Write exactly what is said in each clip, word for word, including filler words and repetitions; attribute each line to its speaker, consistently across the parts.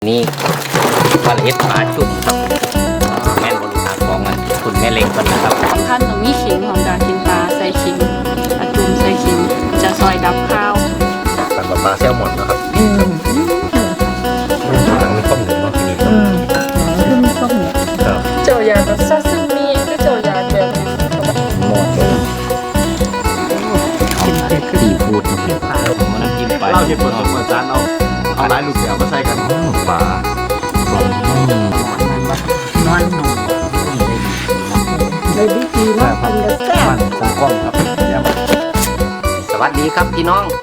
Speaker 1: นี่ปลาเล็ดปลาจุ่มครับแม่นบริษัทของมันคุณแม่เล็กกันนะครับ
Speaker 2: สำคัญตรงนี้ขิงของการกินปลาใส่ขิงปลาจุ่มใส่ขิงจะซอยดับข้าว
Speaker 3: สั่งปลาแซลมอนนะครับหนังมีข้อมูลมากทีนี้ครับ
Speaker 2: คือมีข้าวเหนียวเจียวยาแบบซาซิมิก็เจียวยาแบบ
Speaker 1: หมดเลยกินเผ็ดซีฟู้ดเผ็ดปลาผมมันจิ้มไป
Speaker 3: เราจะเปิดเปิดจานเอาเอาหลายลูกเสือมาใส่กันปลา
Speaker 1: ส่วนนอนหนุ่ม
Speaker 2: เลยดีดีมากเป็นแบบแซ่บ
Speaker 3: สองกล้องครับ
Speaker 1: สวัสดีครับพี่น้อง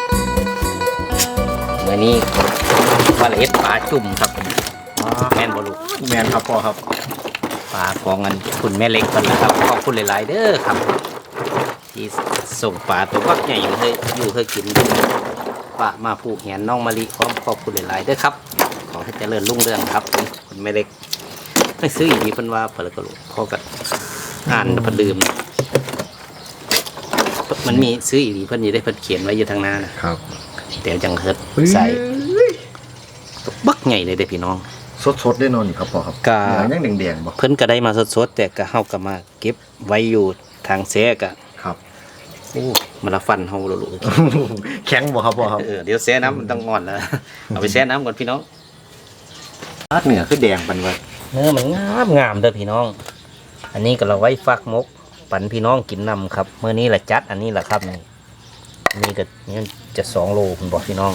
Speaker 1: วันนี้ปลาเล็ดปลาจุ่มครับแม่นบริษัท
Speaker 3: แมนครับพ่อครับ
Speaker 1: ปลาของเงินคุณแม่เล็กกันนะครับขอบคุณหลายๆเด้อครับที่ส่งปลาตัววักใหญ่ให้อยู่ให้กินปลามาผูกแหนน้องมะลิพร้อมขอบคุณหลายๆเด้อครับขอให้เจริญรุ่งเรืองครับคุณแม่เล็กไม่ซื้ออย่างนี้เพิ่นว่าเพิ่นก็รู้พอกับอ่านเพิ่นลืมมันมีซื้ออีกเพิ่นอยู่ได้เพิ่นเขียนไว้อยู่ทางหน้านะครับเดี๋ยวจังเฮิดใส่บักใหญ่เลยเด้อพี่น้อง
Speaker 3: สดๆได้นอนนี่ครับพ่อครับกายังแดงๆบ่
Speaker 1: เพิ่นก็ได้มาสดๆแต่ก็เฮาก็มาเก็บไว้อยู่ทางแซ่ก็
Speaker 3: ครับ
Speaker 1: โอ้มันละฟันเฮาลูก
Speaker 3: แข็งบ่ครับพ่อครับ
Speaker 1: เออเดี๋ยวแซ่น้ำมันต้องงอนแล้วเอาไปแซ่น้ำก่อนพี่น้อง
Speaker 3: เนื้อคือแดงปันไว้
Speaker 1: เนื้อมันงามงามเด้อพี่น้องอันนี้ก็เราไว้ฟักมกปันพี่น้องกินนำครับเมื่อนี้แหละจัดอันนี้แหละครับนี่นี่ก็นี่จะสองโลคุณบอกพี่น้อง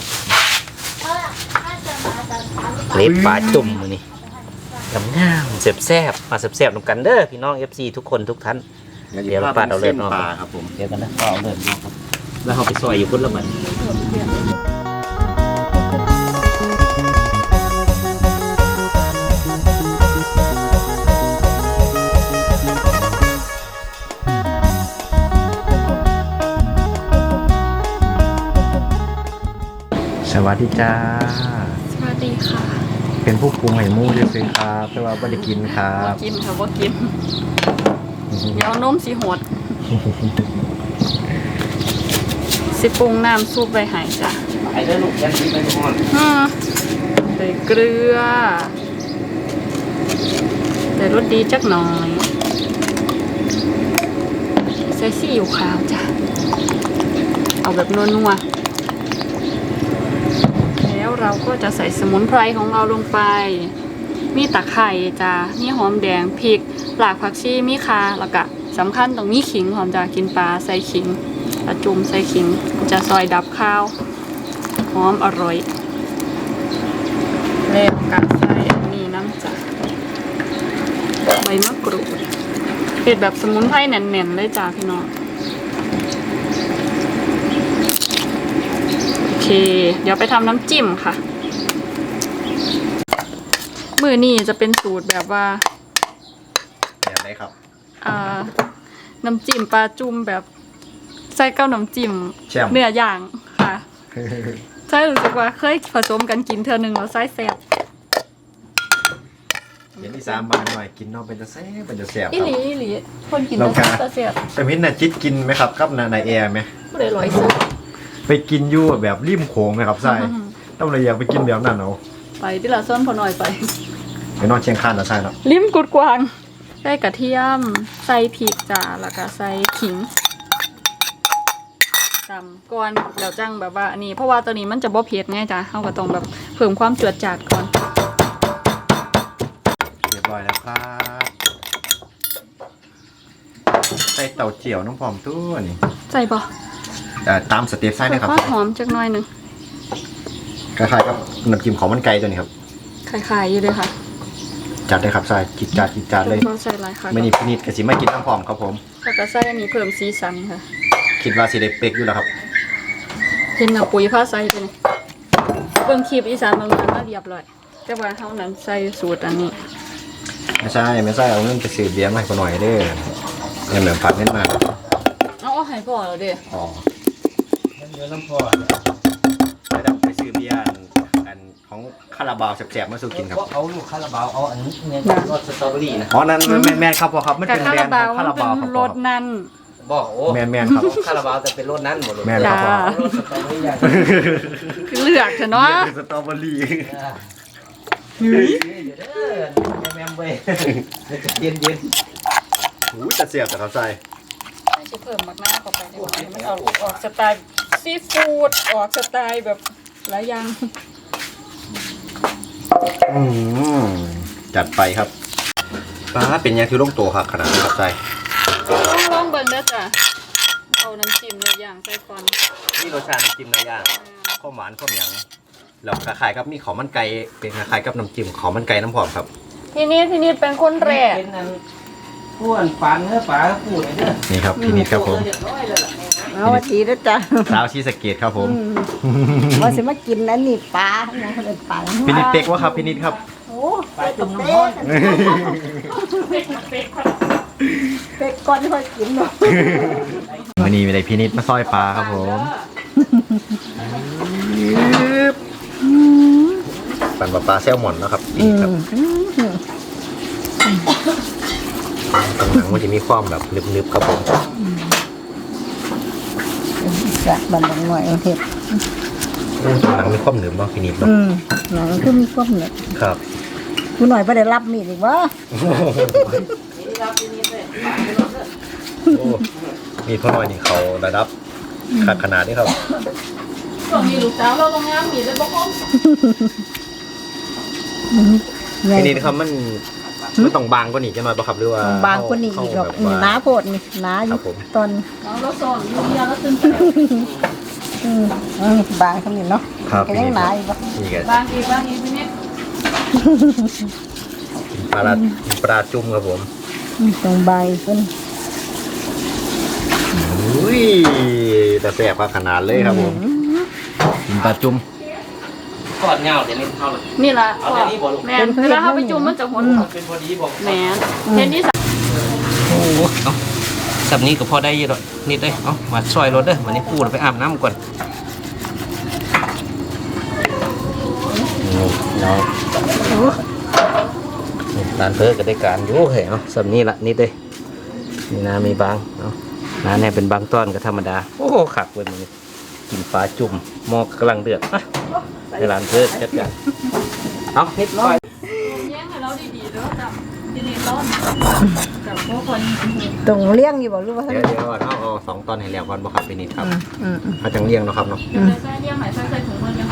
Speaker 1: เล็บปลาจุ่มมือนี่งามงามแซ่บแซ่บมาแซ่บแซ่บนำกันเด้อพี่น้องเอฟซีทุกคนทุกท่านเดี๋ยวเราปาดเอาเลือดเนาะ
Speaker 3: ครับผม
Speaker 1: เดี๋ยวกันนะก็เอาเลือดเนาะครับแล้วเขาไปซอยอยู่พุ่นละมัน
Speaker 3: สวัสดีจ้า
Speaker 2: สวัสดีค่ะ
Speaker 3: เป็นผู้ปรุงไห่มูด้วยสิครับแต่ว่าไม่ได้กินครับ
Speaker 2: กินค่ะว่ากินเดี๋ยวนมสีหดสิปรุงน้ำซุปใบหายจ้ะ
Speaker 1: ไอ้เด้อลูกยันกินไปหมด
Speaker 2: ใส่เกลือใส่รสดีจักหน่อยใส่ซีอิ๊วขาวจ้ะเอาแบบนัวๆแล้วเราก็จะใส่สมุนไพรของเราลงไปมีตะไคร่จ้ะมีหอมแดงพริกหลากผักชีมีข่าแล้วก็สำคัญตรงมีขิงหอมจะกินปลาใส่ขิงปลาจุ่มใส่ขิงจะซอยดับข้าวหอมอร่อยแล้วก็ใส่อันนี้น้ำจ้ะใบมะกรูดเผ็ดแบบสมุนไพรแน่นๆเลยจ้ะพี่น้องโอเคเดี๋ยวไปทำน้ำจิ้มค่ะมือนี่จะเป็นสูตรแบบว่า
Speaker 3: แบบไหนครับ
Speaker 2: อ่าน้ำจิ้มปลาจุ่มแบบใส่เก้าน้ำจิ้มเนื้อย่างค่ะใช่รู้สึกว่าเคยผสมกันกินเธอหนึ่งแล้วไส้แซ่บ
Speaker 3: เห็นที่สามบาทหน่อยกินนอกเป็นจะแซ่บเป็นจะแซ่บ
Speaker 2: อีหลีอีหลีคนกินแล้วจะแซ่บ
Speaker 3: แต่มิ้นน่ะจิตกินไหมครับกับนายแอร์ไหม
Speaker 2: ไม่ได้ร้อยสุด
Speaker 3: ไปกินยู่แบบริมโขงไหมครับใช่ต้องเลยอยากไปกินแบบนั้นเอา
Speaker 2: ไปที่ละส้นพอหน่อยไป
Speaker 3: ไปนอนเชียงคานนะใช่เนาะ
Speaker 2: ริมกุดกวางใส่กระเทียมใส่พริกจ้าแล้วก็ใส่ขิงจำก่อนเดี๋ยวจังแบบว่าอันนี้เพราะว่าตัวนี้มันจะบ่เผ็ดไงจ้าเขาก็ต้องแบบเพิ่มความจืดจาดก่อน
Speaker 3: เรียบร้อยแล้วครับใส่เต่าเจียวน้ำหอมตัวนี่
Speaker 2: ใส่บ่
Speaker 3: ตามสเต็ปไส้นะครับ
Speaker 2: หอมจักหน่อยหนึ่ง
Speaker 3: คล้ายๆกับน้ำจิ้มของมันไก่ตัวนี้ครับ
Speaker 2: คล้ายๆอยู่เลยค่ะ
Speaker 3: จัดเลยครับใส่จิตจัดจิตจัดเลย
Speaker 2: ใส่หลายค่ะ
Speaker 3: ไม่นิดนิดกระสิไม่กินน้ำหอมครับผม
Speaker 2: แล้วก็ใส่อันนี้เพิ่มสีสันค่ะ
Speaker 3: คิดว่าสีเด็กเป๊กอยู่แล้วครับ
Speaker 2: เห็นเอาปุ๋ยผ้าใส่ไปเลยเบิ่งคลิปอีสานบางครั้งมาเรียบร้อยแต่ว่าเท่านั้นใส่สูตรอันนี้
Speaker 3: ไม่ใช่ไม่ใช่เอาเงินไปซื้อเบียร์มาให้คนหน่อยเด้อเนี่ยเหมือนผัดเน้นมา
Speaker 2: เอาเอาให้พ่อเราเด้อ
Speaker 3: อ๋อ
Speaker 1: เดี๋ยวน้ำพ่อ
Speaker 3: ไปดับไปซื้อเบียร์อันของคาราบาวแสบๆมาสู่กินครับ
Speaker 1: เอาลูกคาราบาวเอาอันนี้เนี่ยรสสตรอเบอรี่นะ
Speaker 3: อ๋อนั่นแม่แม่ครับพ่อครับไม่เป็นแบรนด์ของคาราบาวครับ
Speaker 2: รสนั้น
Speaker 1: บอกโอ้
Speaker 3: แม่แม่ครับ
Speaker 1: คาราบาวจะเป็นรสนั้นหมดเลย
Speaker 3: แม่ครับพ่อ
Speaker 2: คือเลือกเถอะเนาะ
Speaker 3: สตรอเบอรี่
Speaker 1: เดี๋ยวเด้อแม่ๆเว้ยเย็นเย็น
Speaker 3: อู้จะเสียบแต่ครับใส่
Speaker 2: ไม่ใช่เพิ่มมากหน้าเข้าไปในวันนี้มันออกออกสไตล์ซีฟู้ดออกสไตล์แบบหลายอย่าง
Speaker 3: อืมจัดไปครับป้าเป็นยังที่ลงตัวครับขนาดนี้ครับใส่
Speaker 2: ลองลองเบิ่งเด้อจ้ะเอาน้ำจิ้มในอย่างใส่ก่อน
Speaker 3: นี่รสชาติน้ำจิ้มเนื้อย่างข้าวหวานข้าวเหนียวแล้วคล้ายๆกับมีข้าวมันไก่เป็นคล้ายๆกับน้ำจิ้มข้าวมันไก่น้ำหอมครับ
Speaker 2: ทีนี้ทีนี้เป็นคนแรก
Speaker 1: เป็นอันอ้วนปานเนื้อปลาพูดเลยเด้อ
Speaker 3: นี่ครับพี่นิดครับผม
Speaker 1: เรียบร้อยเลยล่ะ
Speaker 4: เอาสวัสดีนะจ๊ะ
Speaker 3: สาวชีสะเกตครับผม
Speaker 4: ว่าสิมากินอันนี้ปลาเนี่ยเขาเป็นปลา
Speaker 3: พี่นิดเป๊กวะครับพี่นิดครับ
Speaker 4: โอ้
Speaker 1: ปลาจุ่มน้ำร้อน
Speaker 4: เป็ดก้อนค่อยกินเนาะ
Speaker 3: วันนี้มีอะไรพี่นิดมาซอยปลาครับผมปั่นปลาปลาแซลมอนนะครับนี่ครับตรงหนังมันจะมีความแบบนึบๆครับผม
Speaker 4: จะบันดังหน่อยเอาเห็ด
Speaker 3: ตรงหนังมีความหนึบมากพี่นิดเนาะ
Speaker 4: อืมหนังคือมีความเหนียว
Speaker 3: ครับ
Speaker 4: กูหน่อยไ่ได้รับมีดอีกวะ
Speaker 3: โอ้มีพ่อหน่อยนี่เขาระดับขาดขนาดนี้ครับ
Speaker 2: ช่วงนี้ลูกสาวเราโรงงานมีเลยบ่คม
Speaker 4: ไง
Speaker 3: พี่นิดครับมันมันต้องบางกว่านี้จะหน่อยป่ะครับหรือว่า
Speaker 4: บางคนนี้อีกหรอก
Speaker 3: เข้าแบบว่า
Speaker 4: หนาโพดนี่หนาอ
Speaker 3: ครั
Speaker 4: ยู่
Speaker 3: บผม
Speaker 4: ตอน
Speaker 2: เราเราสอนอยู่เดียวแล้วตื่น
Speaker 4: อืมอืมบางคำนี้เนาะ
Speaker 3: ครับ
Speaker 4: ก็ยังหนาอยู่ปะ
Speaker 3: นี่ก็
Speaker 2: บางทีบางทีพี่นิด
Speaker 3: ปลาปลาจุ่มครับผม
Speaker 4: อืมตรงใบเพิ่น
Speaker 3: อุ้ยแต่แสบขนาดเลยครับผมปลาจุ่ม
Speaker 1: กอดเงาเดี๋ยวนี้เข้าเลย
Speaker 2: นี่ล่ะ
Speaker 1: เอาแต่นี่บ่ลูก
Speaker 2: แม่นเวลาเขาไปจุ่มมันจะหดออก
Speaker 1: เป็นพอดีบอก
Speaker 2: แม่นเห็นที่สาม
Speaker 1: โอ้โหเอาสับนี้ก็พอได้อยี่หรอกนิดเลยเอามาซอยรถเด้อวันนี้พูดไปอาบน้ำก่อนเนาะร้านเพิ่ก็ได้การอยู่เหรอเอาสับนี้ละนิดเลยนี่นะมีบางเอาน้าเนี่ยเป็นบางต้อนก็ธรรมดาโอ้โหขักเว้ยมันกินปลาจุ่มหมอกกำลังเดือดอ่ะในร้านเพิ่จัดการเอานิดหน่อย
Speaker 2: แย่งให้เราดีๆเด้อจ้ะทีนี้ต้นกับพวกคน
Speaker 4: ตรงเลี้ยงอยู่บ่รู้ว่า
Speaker 3: เดี๋ยวเดี๋ยวเอาเอาสองตอนให้แล้วก่อนบ่ครับพี่นิดครับ
Speaker 4: อืมอืมอืม
Speaker 3: มาจังเลี้ยงเนาะครับเนาะ
Speaker 2: อยู่ในไส้เลี้ยงไหนไส้ใส่ถุงมือยัง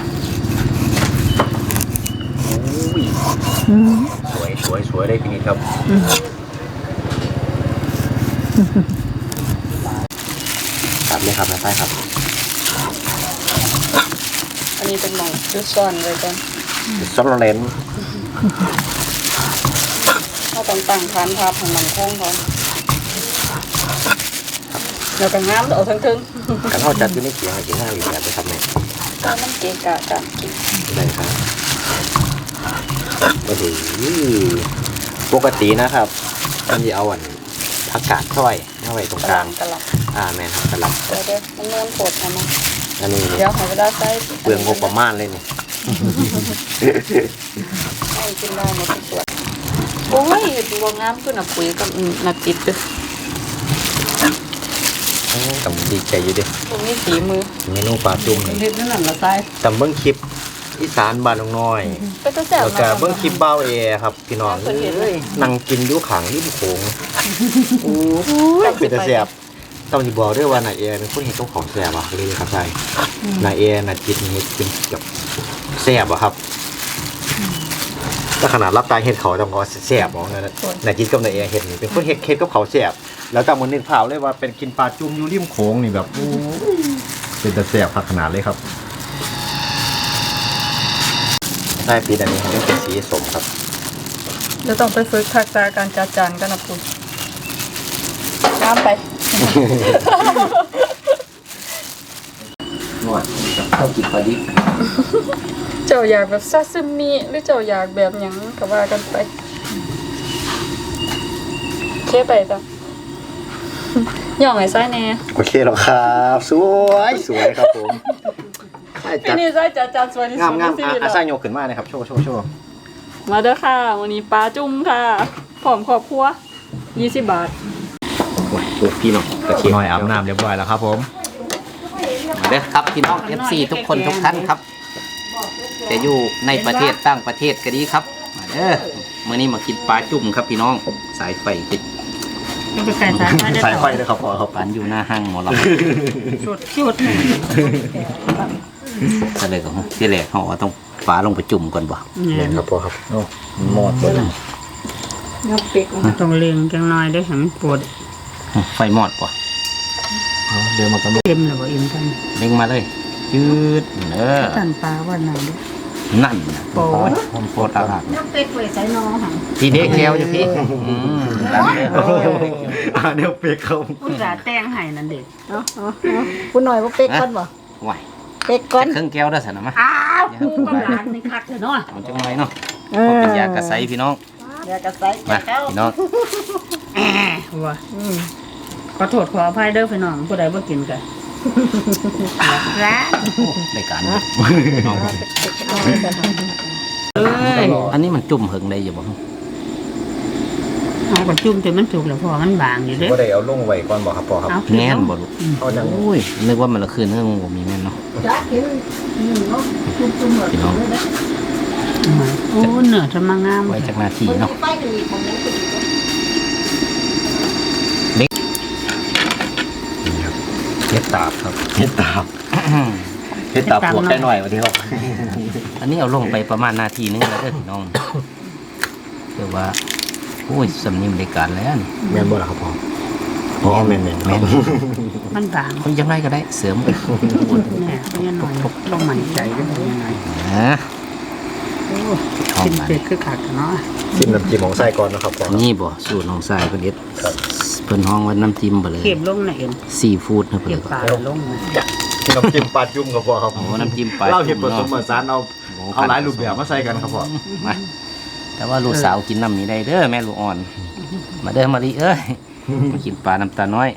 Speaker 3: อุ้ย
Speaker 4: อืม
Speaker 3: สวยสวยสวยเลยพี่นิดครับตัดเลยครับนะใต้ครับ
Speaker 2: อันนี้เป็นหมองจุดซ่อนไว้ก่อน
Speaker 3: ซอสเลน
Speaker 2: ถ้าต้องตั้งฐานทับให้มันคงก่อนเดี๋ยวกันน้ำเดี๋ยวเอาทั้งทึง
Speaker 3: กันเท่าจัดอยู่ในเขียงให้กินห้าอยู่แบบไปทำไง
Speaker 2: ก็มันเกะกะกันกิน
Speaker 3: ได้ครับโอ้โหปกตินะครับมันจะเอาอันผักกาดช่อยเอาไว้ตรง
Speaker 2: กระ
Speaker 3: กลาง
Speaker 2: ลำกระล
Speaker 3: อ่าแม่นครับกระหลับ
Speaker 2: ำเดี๋ยวเดี๋ยวมันนวลโผดทำมา
Speaker 3: อันนี้
Speaker 2: เดี๋ยวให้เวลาใส่
Speaker 3: เปลืองงบประมาณเลยเนี่ย
Speaker 2: ให้กินได้หมดทุกส่วนโอ้ยดูว่างามขึ้นอ่ะปุ๋ยกับอืมน่ะติดด้วย
Speaker 3: ต้องดีใจอยู่ดิ
Speaker 2: ตรงนี้ฝีมือ
Speaker 3: เมนูปลาจุ่มนี่
Speaker 4: เฮ็ดนั่นน่ะละใส่
Speaker 3: จำเบิ้งคลิปอีสานบ้านน้องน้อย
Speaker 2: ก็จะแซ่บ
Speaker 3: แล้วก็เบิ้งคลิปเบ้าเอครับพี่น้องเอ้ยนั่งกินอยู่ขังริมโขงโอ้ยเป็นแต่แสบต้องที่บอกด้วยว่านายเอเป็นคนเห็นเจ้าของแสบอ่ะเลยครับใช่นายเอน่ะจิตเห็ดเป็นแบบแสบอ่ะครับถ้าขนาดรับตาเห็ดเขาต้องก็แสบมองนั่นนะนายจิตกับนายเอเห็ดนี่เป็นคนเห็ดเห็ดกับเขาแสบแล้วก็มือนึกภาพเลยว่าเป็นกินปลาจุ่มอยู่ริมโขงนี่แบบโอ้ยเป็นแต่แสบขนาดเลยครับใช่ปีอันนี้มันเป็นสีสมครับ
Speaker 2: เดี๋ยวต้องไปฝึกทักษะการจัดจานกันนะคุณน้ำไป
Speaker 1: นวดเข้ากินพอดี
Speaker 2: เจ้าอยากแบบซาซิมิหรือเจ้าอยากแบบหยังก็ว่ากันไปเคไปจ้ะ ย่องไอ้ไส้แน่
Speaker 3: โอเคแล้วครับสวยสวยครับผมใช่
Speaker 2: ที่
Speaker 3: จัด
Speaker 2: นี่ไส้จัดจานสวยที่
Speaker 3: งา
Speaker 2: สุ
Speaker 3: ม
Speaker 2: ด
Speaker 3: งาม
Speaker 2: ในชี
Speaker 3: อ่ะ
Speaker 2: วิต
Speaker 3: อา
Speaker 2: แล้ว
Speaker 3: ซาโยกขึ้นมาเลยครับโชว์โชว์โชว์
Speaker 2: มาเด้อค่ะ วันนี้ปลาจุ่มค่ะผอมครอบครัวยี่สิบบาท
Speaker 1: โอ้ยตัวพี่น้องกระเทียม
Speaker 3: หน่อยอาบน้ำเรียบร้อยแล้วครับผม
Speaker 1: มาเด้อครับพี่น้อง เอฟ ซี ทุกคนทุกท่านครับจะอยู่ในประเทศต่างประเทศก็ดีครับมาเด้อมื้อนี้มากินปลาจุ่มครับพี่น้องสายไฟติด
Speaker 2: จะไปไก่สายไฟได้
Speaker 3: สายไฟ
Speaker 2: ต่อ
Speaker 3: เลยครับพ่อครับ
Speaker 1: ปานอยู่หน้าห้างหมอลำ
Speaker 2: สุดชุด
Speaker 1: ก็เลยก็ที่แรกเขาว่าต้องปลาลงไปจุ่มก่อนบ่
Speaker 3: เห็นครับพ่อครับโอ้หมดเลย
Speaker 4: ยกเป็ก
Speaker 2: ต้องเลี้ยงจังน้อยได้เห็นปวด
Speaker 1: ไฟมอดบ่
Speaker 3: เดี๋ยวมันก็
Speaker 2: เต็มเลยบ่อิ่มกัน
Speaker 1: เล็งมาเลยยืดเด้อ
Speaker 2: ตันปลาว่าหนังดิ
Speaker 1: นั่นนะ
Speaker 2: โปรด
Speaker 1: ผมโปรดอากาศ
Speaker 4: ยกเป็กไว้ใส่น้องหัง
Speaker 1: พี่เด็กแก้วอยู่พี่อืมดันเลย
Speaker 3: อ่าเดี๋ยวเปียกเขา
Speaker 2: อุตส่าห์แต่งให้นั่นเด็ก
Speaker 4: เนาะคุณหน่อยว่าเป็กก่อนบ่
Speaker 1: ไหว
Speaker 4: เป็กก่อน
Speaker 1: เครื่องแก้วได้สนะมะ
Speaker 2: อ้าวกูกับหลานนี่คักเลยเนาะ
Speaker 1: มันจังไรเนาะเพราะเป็นยากระไซพี่น้อง
Speaker 4: เดี๋ยวก็ใส่
Speaker 1: มา
Speaker 4: แก้ว
Speaker 1: พี่น้อง
Speaker 2: แอะว่ะขอโทษขออภัยเด้อพี่น้องผู้ใดบ่กินกันร้าน
Speaker 1: ในการน้อง
Speaker 2: เอ้ย
Speaker 1: อันนี้มันจุ่มเหิงได้อยู่บ่
Speaker 2: เอากระจุ่มจนมันสุกแล้วพอมันบางอยู่เด้
Speaker 3: ก็ได้เอาลงไว้ก่อนบอกครับพ่อครับ
Speaker 2: เอา
Speaker 1: แน่นบ่ลูก
Speaker 3: เอาจัง
Speaker 1: โอ้ยนึกว่ามันละคืนเรื่องบ่มีแม่นเนาะ
Speaker 4: จ้าเห็นอืมเนาะจุ่มๆหมด
Speaker 1: พี่น้อง
Speaker 2: โอ้เนื้อจะมางาม
Speaker 1: ไว้จากหน้าที่
Speaker 4: มัน
Speaker 1: เนาะ
Speaker 4: มีไฟกันอีกมันยังเป็นอีก
Speaker 1: เฮ็ดตาบครับ
Speaker 3: เฮ็ดตาบเฮ็ดตาบปวกได้หน่อยวันนี้ครับ
Speaker 1: อันนี้เอาลงไปประมาณนาทีนึงแล้วเด้อพี่น้องเรียกว่าโอ้ยสำนีบริการแล้วนี่
Speaker 3: แม่นบ่ล่ะครับพ่อพ่อแม่นแม่น
Speaker 1: แม่น
Speaker 2: มันบาง
Speaker 1: คนยังไงก็ได้เสริมไป
Speaker 2: แน่เพี้ยนหน่อยลงใหม่ใจได้บ่ยังไง
Speaker 1: นะ
Speaker 2: โอ้
Speaker 1: หอม
Speaker 2: กิน
Speaker 1: มัน
Speaker 2: เป็ดคือขาดกันเนาะ
Speaker 3: ซิมน้ำจิ้มของไส้ก่อนนะครับพ่อ
Speaker 1: นี่บ่สูตรน้องสายเพิ่นเฮ็ดเพิ่นห้องว่าน้ำจิ้มบ่เลย
Speaker 2: เก็บลงน่ะเอ็น
Speaker 1: ซีฟู้ดนะเพิ่น
Speaker 2: เก็บ
Speaker 1: ก็
Speaker 2: ปลาลงน่ะ
Speaker 3: น้ำจิ้มปลาจุ่มครับพ่อครับ
Speaker 1: โอ้น้ำจิ้มปลา
Speaker 3: เราเห็ดผสมผ
Speaker 1: เนาะ
Speaker 3: สานเอาเอาหลายรูปแบบมาใส่กันครับพ่อ
Speaker 1: มาแต่ว่าลูกสาวกินน้ำนี้ได้เด้อแม่ลูกอ่อน มาเด้อมาลิเอ้ยมากินปลาน้ำตาน้อย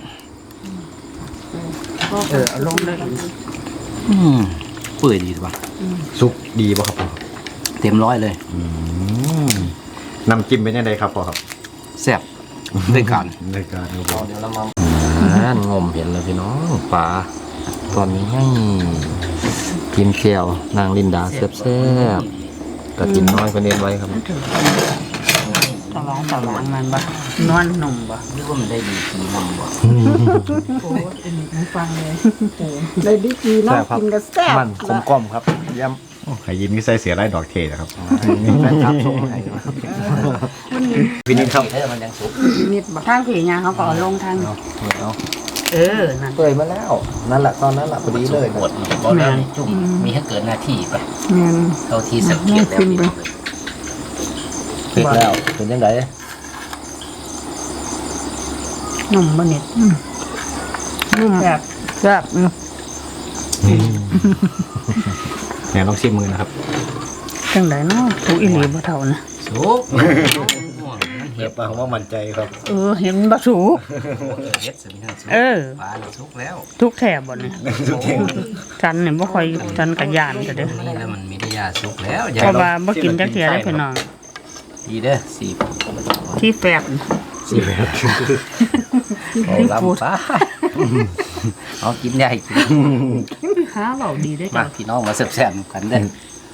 Speaker 2: เออเอาลงได้เอ็น
Speaker 1: อืมเปื่อยดีป่ะ
Speaker 3: ซุปดีป่ะครับพ่อ
Speaker 1: เต็มร้อยเลย
Speaker 3: อืมน้ำจิ้มเป็นยังไงครับพ่อครับ
Speaker 1: แซ่บด้วยกัน
Speaker 3: ในการครับพ่อ
Speaker 1: เดี๋ยวเรามางมเห็นแล้วพี่น้องปลาตอนนี้ให้กินแก้วนางลินดาแซ่บๆกระถินน้อยเพิ่นเน้นไว้ครับ
Speaker 2: ตะลองตะลองมันบ่นวลนุ่มบ่
Speaker 1: นึกว่ามันได้ดีกีนำบ่
Speaker 2: โอ้ยอันนี้ผมฟังเลย
Speaker 4: เลยดีกีเนาะกินก็แซ่บ
Speaker 3: มันกลมกล่อมครับเยี่ยมไข่ยินก็ใส่เสียไรดอกเทนะครับ
Speaker 1: แฟนคลับส่งให้
Speaker 3: พี่นิดครับ
Speaker 1: เด้อมันยังสุก
Speaker 2: นิดบ่ทางผียาเขาก็เอาลงทาง
Speaker 1: เอาเอา
Speaker 2: เออนั่น
Speaker 3: เปื่อยมาแล้วนั่นแหละตอนนั้นแหละพอดีเลย
Speaker 1: ปวดบ่ได้จุ่มมีให้เกิดหน้าที่ไป
Speaker 2: แม่น
Speaker 1: เท่าที่สังเกตแล้วพี่น้อง
Speaker 3: เผ็ดแล้วเป็นยังไง
Speaker 2: นุ่มบ่นิดนุ่มแบบแซ่บ
Speaker 3: เนี่ยต้องชิมมือนะครับ
Speaker 2: จังไดเนาะถูกอีหลีบ่เท่านะ
Speaker 1: สุก
Speaker 3: เห็บปลาว่ามั่นใจครับ
Speaker 2: เออเห็นบ่ถูก
Speaker 1: เฮ็ดสิมีทั้งสุก
Speaker 2: เออ
Speaker 1: ปลาน่ะสุกแล้ว
Speaker 2: ทุกแถบบ่เนี่ยจันเนี่ยบ่ค่อยจันกะยานแต่เด้อ
Speaker 1: นี่แล้วมันมีได้ยาสุกแล้ว
Speaker 2: เพราะว่าบ่กินจักเที่ยได้พี่น้อง
Speaker 1: ดีเด้อสี่
Speaker 2: ที่แฟบ
Speaker 3: สี่แบบ
Speaker 1: เอาลำปลาเอากินได้กิน
Speaker 2: หาเว้าดีได้
Speaker 1: มา
Speaker 2: จ้ะ
Speaker 1: พี่น้องมาแซ่บๆกันเด้อ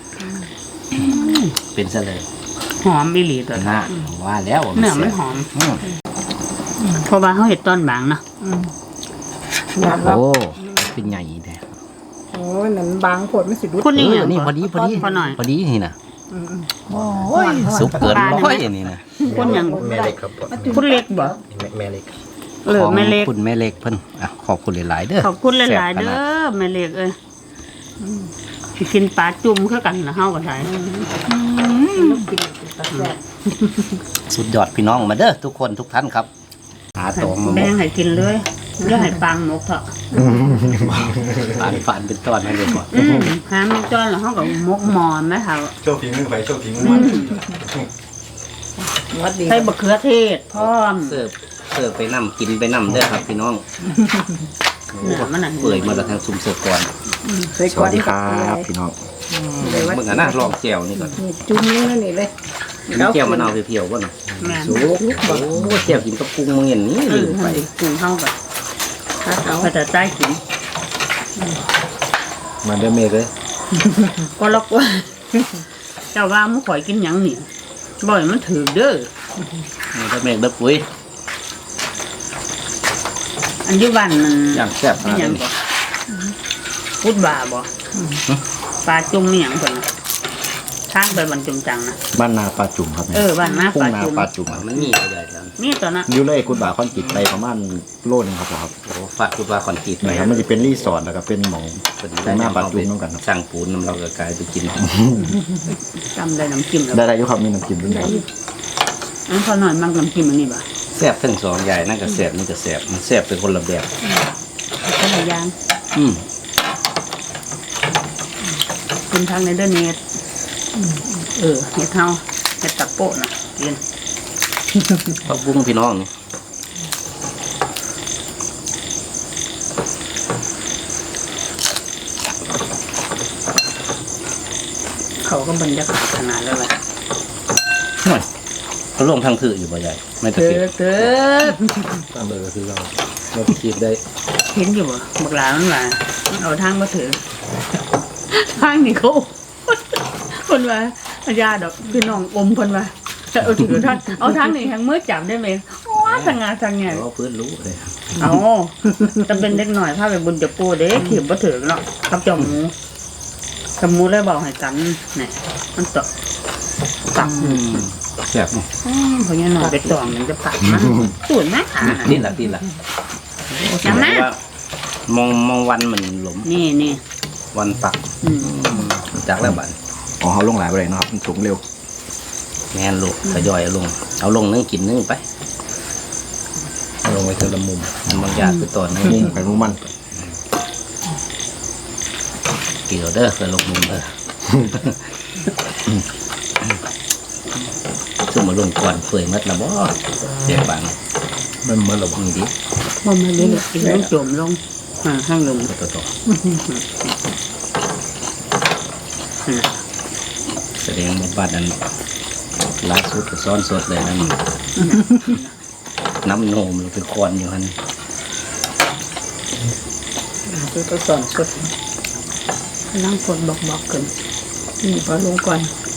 Speaker 1: เป็นซะเลย
Speaker 2: หอมอีหลีตัว
Speaker 1: หน้าว่าแล้ว
Speaker 2: เนื้อมันหอม
Speaker 1: อืม
Speaker 2: เพราะว่าเฮาเฮ็ดตอนบางเนาะ
Speaker 1: โอ้เป็นใหญ่แท้
Speaker 4: โอ้ยนั่นบางผลไม่สิดุ
Speaker 2: คุณนี่
Speaker 1: เอ
Speaker 2: หยั
Speaker 1: อง นี่พอดีพอดี
Speaker 2: พอหน่อย
Speaker 1: พอดีนี่นะ
Speaker 4: โอ้
Speaker 1: โอ้ยสุกเกินร้อยนี่นะ
Speaker 2: คุณหยัง
Speaker 3: แม่เล็กครับ
Speaker 2: คุณเล็กบ่
Speaker 3: แม่แม่เล็ก
Speaker 2: เออแม่เล็ก
Speaker 1: ขอบคุณแม่เล็กเพิ่นอ่ะขอบคุณหลายๆเด้อ
Speaker 2: ขอบคุณหลายๆเด้อแม่เล็กเอ้ยสิกินปลาจุ่มคือกันนะเฮาก็ได้
Speaker 1: สุดยอดพี่น้องมาเด้อทุกคนทุกท่านครับ หาตองมาหม
Speaker 2: แบ่
Speaker 1: ด
Speaker 2: งให้กินเลยอย่าให้ปังหมกเถอะ
Speaker 1: ฝานฝานเป็นตอนให้เลยก่อน
Speaker 2: อืมหาหมกจ้อนแล้วเฮาก็หมกหมอนแม่เฒ่า
Speaker 3: โชว์ฝีมือไปโชว์ฝีมือมัน
Speaker 4: วัดดี
Speaker 2: ใส่บักเขือเทศพร้อม
Speaker 1: เสิร์ฟเสิร์ฟไปนํกินไปนํเด้อครับพี่น้อง
Speaker 2: เนื้อมันน่ะ
Speaker 1: เปื่อยมาแล้วทางซุ่มเสิร์ฟก่อน
Speaker 4: ใส่
Speaker 3: ส
Speaker 4: ก้อ
Speaker 3: วัน สดีครับพี่น้อง
Speaker 1: เมื่อกี้นะลองแก้วนี่ก่อน
Speaker 4: นี่จุ่มนี่นี่เลย
Speaker 1: มีแก้วมะนาวเพียวๆก่อนนะ
Speaker 2: แม่น
Speaker 1: สุกโอ้แก้วกินกับกุ้งมึงเห็นนี่
Speaker 2: เอ
Speaker 1: ลื
Speaker 2: อ
Speaker 1: มไป
Speaker 2: ปรุงเฮาก็
Speaker 4: ถ้าเอา
Speaker 2: ก็จะใต้กิน
Speaker 3: มาเดอเมกเลย
Speaker 2: ก็ลอกว่า
Speaker 5: เจ้าว่ามันข่อยกินหยังนี่บ่อยมันถือเด้อ
Speaker 1: นี่ก็เมฆเด้อปุ้ย
Speaker 5: อันอยุบันมัน
Speaker 1: อย่างแซ่บข
Speaker 5: นี่
Speaker 1: นาด
Speaker 5: หยัง
Speaker 1: นี้
Speaker 5: บ่พุดบ่าบ่ปลาจุ่มนี่หยังเพิ่นน่ะทางไปบรรจุมจังนะ
Speaker 3: บ้านนาปลาจุ่มครับ
Speaker 5: เออบ้านนา
Speaker 3: ทุ่
Speaker 5: ป
Speaker 3: ง
Speaker 5: ลา
Speaker 3: นา
Speaker 5: จุ่ม
Speaker 3: ปลาจุ่ม
Speaker 1: มันมีใหญ่ๆจัง
Speaker 5: นี่ตัวน่ะ
Speaker 3: อยู่เลยกุดบ่าคอนกิตไปประมาณโลนึงครับครับ
Speaker 1: โอ้ฝากคุณว่าคอนกรีต
Speaker 3: นะครับมันจะเป็นรีสอร์ทแล้วก็เป็นหมอง
Speaker 1: เป็น
Speaker 3: เป็นหน้าปลาจุ่มน้ำกันครับ
Speaker 1: สั่งปูนน้ำเราก็กลายไปกิน
Speaker 5: จำได้น้ำจิ้มแล้ว
Speaker 3: ได้ได้อยุครับมีน้ำจิ้มด้วยครับ
Speaker 5: อันพอหน่อยมันน้ำจิ้มอันนี้บ่
Speaker 1: แซ่บทั้งสองใหญ่นั่นก็แซ่บนี่ก็แซ่บมันแซ่บเป็นคนละแบบ
Speaker 5: คนละอย่าง
Speaker 1: อืม
Speaker 5: กินทางในเดอร์เน็ตเออเฮ็ดเฮาเฮ็ดตะโปะน่ะกิน
Speaker 1: ผักบุ้งพี่น้องนี่
Speaker 5: เขาก็บรรยากาศขนาดแล้วล่ะ
Speaker 1: หน่อยเขาลงทางถืออยู่บ่ใหญ่ไม่ตะ
Speaker 5: เถิ
Speaker 1: เกีย
Speaker 5: ดเถิด
Speaker 1: ตามเลยก็คือเราเราไปคิดได้
Speaker 5: เห็นอยู่บ่บักหลามันว่ามันเอาทางมาถือทางนี่เขาคนว่าอาญาดอกพี่น้องอมคนว่าเอาถือทางเอาทางนี่ทางมือจับได้ไหมว้าทางงานทางเนี่ย
Speaker 1: เราเพื่อนรู้เลย
Speaker 5: เอาจะเป็นเด็กหน่อยพาไปบุญจะปูเด้ขีบบ่ถือเนาะกับจอมหมูจอมหมูเลยบอกให้กันเนี่ยมันตกตัก
Speaker 1: อืมแซ่บนี่
Speaker 5: อืมเพราะงั้นหน่อยไปตองมันจะปักมันสูนนะอ่ะ
Speaker 1: นี่แหละนี่แหละ
Speaker 5: น้ำนะ
Speaker 1: ว่ามองมองวันมันหลม
Speaker 5: นี่นี่
Speaker 1: วันปัก
Speaker 5: อืม
Speaker 1: จากแล้วบัด
Speaker 3: อ๋อเขาลงหลายไปเลยเนาะครับมันสูงเร็ว
Speaker 1: แม่นลูกทยอยเอาลง เอาลงนึงกินนึงไปเอาลงไปเทอละมุมมันบางอย่างไปต่อนึง
Speaker 3: มุ่งไปมุ่งมัน
Speaker 1: กี่เด้อเทอละมุมเด้อซึ่งมาลงก่อนเปื่อยมัดละบ่เสียบัง
Speaker 3: มันเหมือนหรอ
Speaker 1: นี่ดิ
Speaker 5: บ่มาเลยอีกแล้วจมลงอ่าข้างลง
Speaker 1: ต่อต่อต่อแสดงว่าบ้านนั้นล่าสุดก็ซ้อนสดเลยนั่นน้ำโนมลงไปคอนอยู่ฮัน
Speaker 5: คือก็สอนสดนั่งฝนบอกบอกกันนี่พอลงก่อน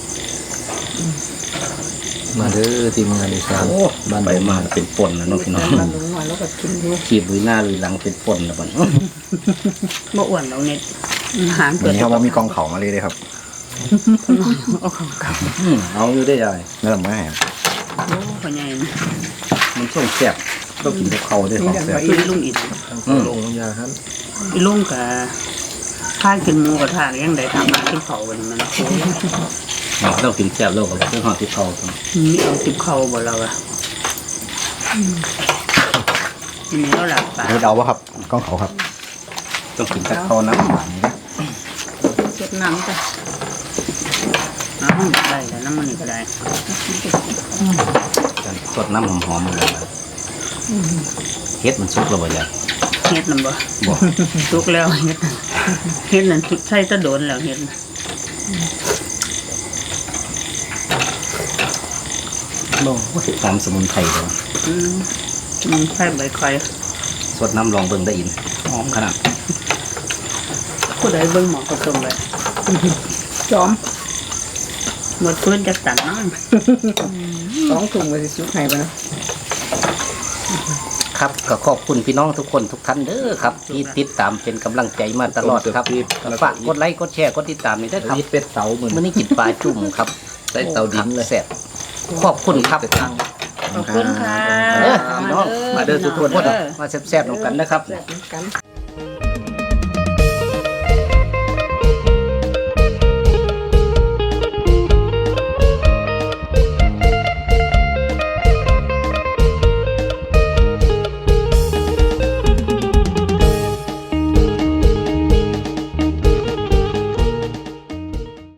Speaker 3: มาเด้อทีมงานอีสาน
Speaker 1: โอ้บ้านไปมาเป็นป่นแล้วเน้องพี่น้อง
Speaker 5: มาลงมาแล้วก็กินดู
Speaker 1: ขีบลุยหน้าลุยหลังเป็นป่นแล้วบัด
Speaker 5: บ่อ้วนเราเน็ตอาหาร
Speaker 3: วั
Speaker 5: เปิ
Speaker 3: น
Speaker 5: ด
Speaker 3: นี้เขาว่ามีกองเขามาเลยเลยครับ
Speaker 5: เอาของเก่า
Speaker 1: อืมเอาอยู่ได้ยัง
Speaker 3: นั่นแหละไม่ให้
Speaker 5: โอ้พ่อใหญ่นะ
Speaker 1: มันส่งแซ่บต้องกินกับเขาด้วยของแซ่บ
Speaker 5: อีลุงอีก
Speaker 1: อืม
Speaker 3: ลงยาครับ
Speaker 5: อีลุงกับข้ากินหมูกระทะยังได้ทำมากินเผาวันนี้มันโอ้ย
Speaker 1: เราต้องกินแซ่บโลกกับเครื่องหอมที่เขาครับ
Speaker 5: มีเอาติบเข่าบ่เราอะทีนี้เราหลับตา
Speaker 3: เฮ็ดเอาวะครับกองเขาครับ
Speaker 1: ต้องกินกับเขาน้ำหวานนี่นะ
Speaker 5: เช็ดน้ำจ้ะอ้าวได้แล้วน้ำมันนี่ก็ได้
Speaker 1: สดน้ำหอมๆเลยเฮ็ดมันสุกแล้วบ่ยาย
Speaker 5: เฮ็ดนั่นบ่
Speaker 1: บ่
Speaker 5: ทุกแล้วเฮ็ดเฮ็ดนั่นใช่ตะโดนแล้วเฮ็ดน่ะ
Speaker 1: บ่หอมสมุนไพรเลย
Speaker 5: อืมมันใช่ใบคอย
Speaker 1: สดน้ำลองเบิ่งได้อินหอมขนาด
Speaker 5: ผู้ใดเบิ่งหมอก็ส่งเลยจอมหมดพื้นจะตัดน้ำ
Speaker 4: สองถุงมาสิสุกให้บ่เนาะ
Speaker 1: ครับก็ขอบคุณพี่น้องทุกคนทุกท่านเด้อครับที่ติดตามเป็นกำลังใจมาตลอดครับก็ฝากกดไลค์กดแชร์กดติดตามนี่ด้วยครับ
Speaker 3: เป็ดเตาเหมือน
Speaker 1: มื้อนี้กินปลาจุ่มครับ
Speaker 3: ใส่เตาดินเลย
Speaker 1: แซ่บขอบคุณครับ
Speaker 5: ขอบคุณค่ะ
Speaker 1: เออพี่น้องมาเด้อทุกคนมาแซ่บๆนำกันนะครับ
Speaker 4: แบบนี้กัน